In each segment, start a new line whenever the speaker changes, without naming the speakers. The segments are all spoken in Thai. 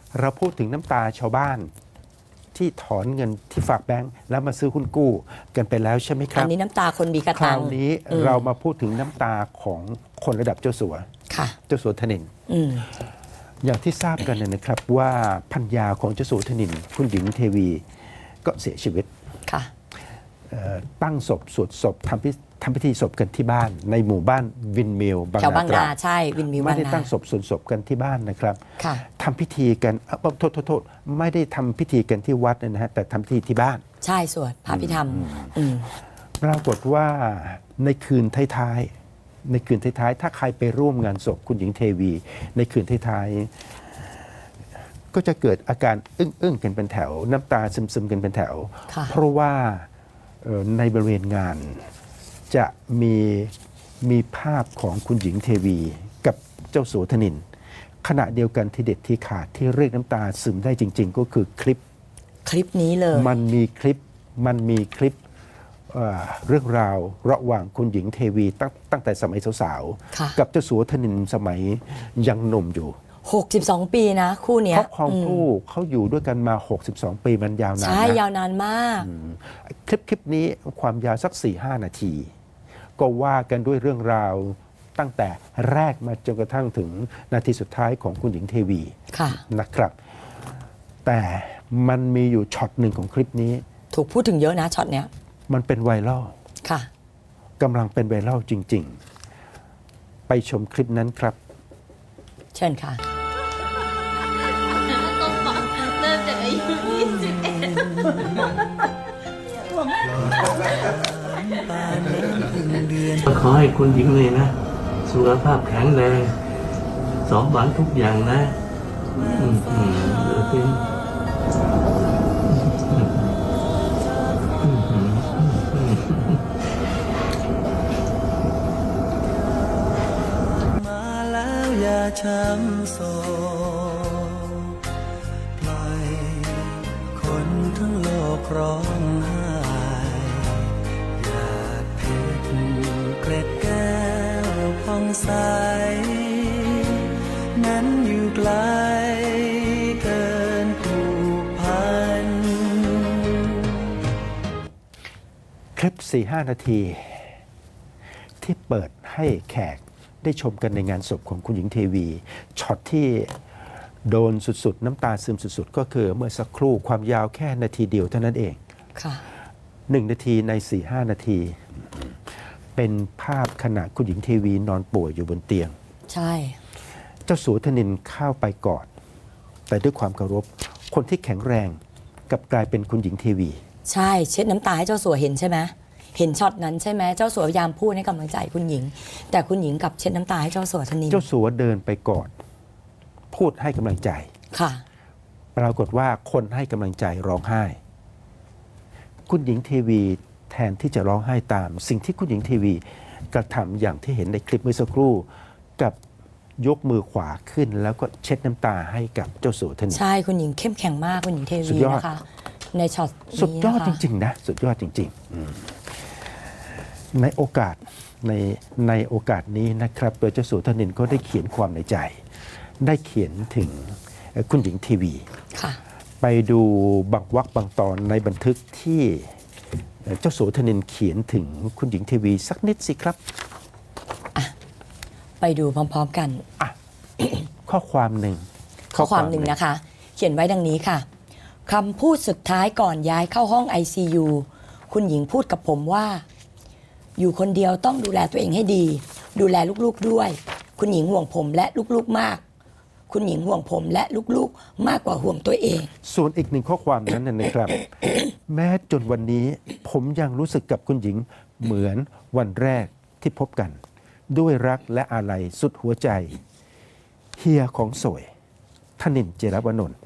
เราพูดถึงน้ำตาชาวบ้านที่ถอนเงินที่ฝากแบงก์แล้วมาซื้อหุ้นกู้กันไปแล้วใช่ไหมครั
อั
บ
นนี้น้ำตาคนมีกระ
ค
ตั
ราง วนี้เรามาพูดถึงน้ำตาของคนระดับเจ้าสัว
ค่ะ
เจ้าสัวธนินทร์
อืม
อย่างที่ทราบกันนะครับว่าภรรยาของเจ้าสัวธนินทร์คุณหญิงเทวีก็เสียชีวิต
ค่ะ
ตั้งศพสวดศพทำพิธีศพกันที่บ้านในหมู่บ้านวินมิลบาง
แถวบาง
นาตรา
นา
ด
ใช่วินมิว
ไม่
บาง
ได้
นา
ตั้งศพสวดศพกันที่บ้านนะครับ
ค่ะ
ทำพิธีกันโทษไม่ได้ทำพิธีกันที่วัดนะฮะแต่ทำพิธีที่บ้าน
ใช่สวดพระพิธรรมอืม
ปรากฏว่าในคืนท้ายๆถ้าใครไปร่วมงานศพคุณหญิงเทวี ในคืนท้ายๆก็จะเกิดอาการอึ้งกันเป็นแถว น้ำตาซึมๆกันเป็นแถว
ค่ะ
เพราะว่าในบริเวณงานจะมีภาพของคุณหญิงเทวีกับเจ้าสัวธนินทร์ขณะเดียวกันที่เด็ดที่ขาดที่เรียกน้ำตาซึมได้จริง ๆ ก็คือคลิป
คลิปนี้เลย
มันมีคลิปเรื่องราวระหว่างคุณหญิงเทวีตั้งแต่สมัยสาว
ค่ะ
ๆกับเจ้าสัวธนินทร์สมัยยังหนุ่มอยู่
62 ปีนะ คู่เนี้ย
เขาครองคู่เขาอยู่ด้วยกันมา 62 ปีมันยาวนาน
ใช่
นะ
ยาวนานมาก
คลิปนี้ความยาวสัก 4-5 นาที ก็ว่ากันด้วยเรื่องราวตั้งแต่แรกมาจนกระทั่งถึงนาทีสุดท้ายของคุณหญิงเทวี
ค่ะ
นะครับ แต่มันมีอยู่ช็อตหนึ่งของคลิปนี้
ถูกพูดถึงเยอะนะช็อตเนี้ย
มันเป็นไวรัล
ค่ะ
กำลังเป็นไวรัลจริง ๆ ไปชมคลิปนั้นครับ
เชิญค่ะ
ต้องบอกเริ่มจากอายุ21
ขอให้คุณหญิงเลยนะ สุขภาพแข็งแรงสมหวังทุกอย่างนะเดี๋ยวเป็น
มาแล้วอย่าช้ำโศกปล่อยคนทั้งโลกร้องไห้อยากเพชรเกล็ดแก้วผ่องใสนั้นอยู่ไกลเกินผูกพัน
คลิป 4-5 นาที ที่เปิดให้แขกได้ชมกันในงานศพของคุณหญิงเทวีช็อตที่โดนสุดๆ น้ำตาซึมสุดๆ ก็คือเมื่อสักครู่ความยาวแค่นาทีเดียวเท่านั้นเอง
ค่ะ
1 นาทีใน 4-5 นาที เป็นภาพขณะคุณหญิงเทวีนอนป่วยอยู่บนเตียง
ใช่
เจ้าสัวธนินทร์เข้าไปกอด แต่ด้วยความเคารพคนที่แข็งแรงกลับกลายเป็นคุณหญิงเทวี
ใช่เช็ดน้ำตาให้เจ้าสัวเห็นใช่ไหมเห็นช็อตนั้นใช่ไหมเจ้าสัวพยายามพูดให้กำลังใจคุณหญิง แต่คุณหญิงกลับเช็ดน้ำตาให้เจ้าสัวธนิน
เจ้าสัวเดินไปกอด พูดให้กำลังใจ
ค่ะ
ปรากฏว่าคนให้กำลังใจร้องไห้ คุณหญิงเทวีแทนที่จะร้องไห้ตาม สิ่งที่คุณหญิงเทวีกระทำอย่างที่เห็นในคลิปเมื่อสักครู่กับยกมือขวาขึ้น แล้วก็เช็ดน้ำตาให้กับเจ้าสัวธนินทร์
ใช่คุณหญิงเข้มแข็งมากคุณหญิงเท
สุ
วี
ดยอด
นะคะ ในช็อต
สุด
นี้
ยอด
นะคะ
จริงๆนะสุดยอดจริงๆในโอกาสในโอกาสนี้นะครับโดยเจ้าสัวธนินทร์ก็ได้เขียนความในใจ ได้เขียนถึงคุณหญิงทีวี
ค่ะ
ไปดูบางวรรคบางตอนในบันทึกที่เจ้าสัวธนินทร์เขียนถึงคุณหญิงทีวีสักนิดสิครับ
ไปดูพร้อมๆกัน
ข้อความหนึ่ง
ข้อความหนึ่งนะคะ เขียนไว้ดังนี้ค่ะคำพูดสุดท้ายก่อนย้ายเข้าห้อง ICU คุณหญิงพูดกับผมว่า อยู่คนเดียวต้องดูแลตัวเองให้ดี ดูแลลูกๆด้วย คุณหญิงห่วงผมและลูกๆมาก คุณหญิงห่วงผมและลูกๆมากกว่าห่วงตัวเอง
ส่วนอีกหนึ่งข้อความนั้นนะครับ แม้จนวันนี้ผมยังรู้สึกกับคุณหญิงเหมือนวันแรกที่พบกัน ด้วยรักและอาลัยสุดหัวใจ เฮียของสวยธนินทร์ เจรวนนท์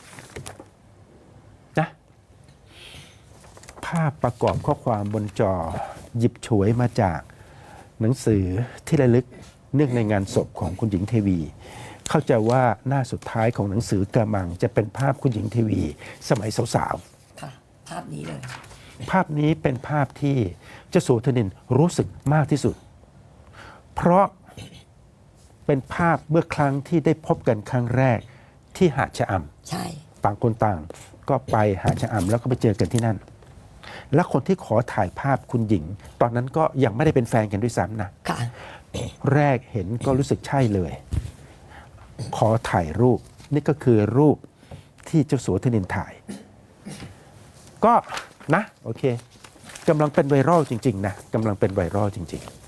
นะภาพประกอบข้อความบนจอหยิบฉวยมาจากหนังสือที่ระลึกเนื่องในงานศพของคุณหญิงเทวี เข้าใจว่าหน้าสุดท้ายของหนังสือกระมังจะเป็นภาพคุณหญิงเทวี สมัยสาว
ค่ะ ภาพนี้เลย
ๆภาพนี้เป็นภาพที่เจ้าสัวธนินทร์รู้สึกมากที่สุด เพราะเป็นภาพเมื่อครั้งที่ได้พบกันครั้งแรกที่หาดชะอ
ใช่
ต่างคนต่างก็ไปหาดชะอำแล้วก็ไปเจอกันที่นั่น และคนที่ขอถ่ายภาพคุณหญิง ตอนนั้นก็ยังไม่ได้เป็นแฟนกันด้วยซ้ำนะ
ค่ะ
แรกเห็นก็รู้สึกใช่เลย ขอถ่ายรูป นี่ก็คือรูปที่เจ้าสัวธนินถ่าย ก็นะ โอเคกำลังเป็นไวรัลจริง ๆ นะกำลังเป็นไวรัลจริง ๆ